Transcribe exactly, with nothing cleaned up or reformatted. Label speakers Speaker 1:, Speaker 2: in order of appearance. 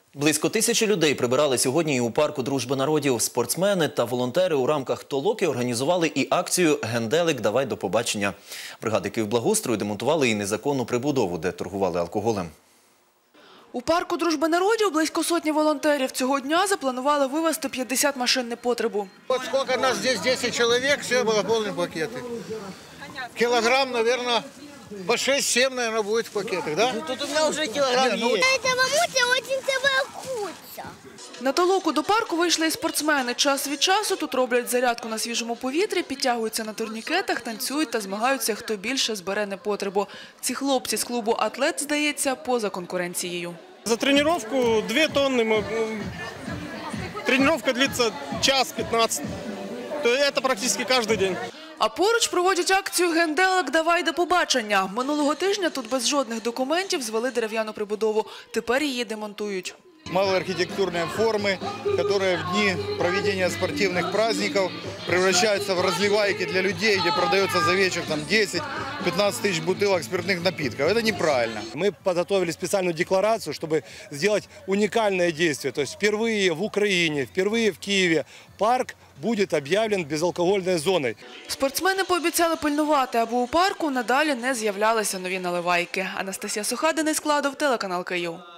Speaker 1: Близько тисячі людей прибирали сьогодні і у парку «Дружба народів». Спортсмени та волонтери у рамках толоки організували і акцію «Генделик, давай до побачення». Бригади Київблагоустрою демонтували і незаконну прибудову, де торгували алкоголем.
Speaker 2: У парку «Дружба народів» близько сотні волонтерів. Цього дня запланували вивезти п'ятдесят машин непотребу.
Speaker 3: Вот сколько нас здесь, десять человек, все было полные пакеты. Килограмм, наверное, по шесть-семь, наверное, будет в пакетах, да?
Speaker 4: Ну, тут у меня уже килограмм
Speaker 3: Не, ну,
Speaker 4: есть.
Speaker 5: Этого муся очень целая куча.
Speaker 2: На толоку до парку вийшли і спортсмени. Час від часу тут роблять зарядку на свіжому повітрі, підтягуються на турнікетах, танцюють та змагаються, хто більше збере непотребу. Ці хлопці з клубу «Атлет», здається, поза конкуренцією.
Speaker 6: За тренировку две тонны. Мы... Тренировка длится час пятнадцать. Это практически каждый день.
Speaker 2: А поруч проводять акцію «Генделик, давай до побачення». Минулого тижня тут без жодних документів звели дерев'яну прибудову. Тепер її демонтують.
Speaker 7: Малоархитектурные формы, которые в дни проведения спортивных праздников превращаются в разливайки для людей, где продается за вечер десять-пятнадцать тысяч бутылок спиртных напитков. Это неправильно.
Speaker 8: Мы подготовили специальную декларацию, чтобы сделать уникальное действие. То есть впервые в Украине, впервые в Киеве парк будет объявлен безалкогольной зоной.
Speaker 2: Спортсмени пообіцяли пильнувати, аби у парку надалі не з'являлися нові наливайки. Анастасія Суха, Денис Кладов, телеканал Київ.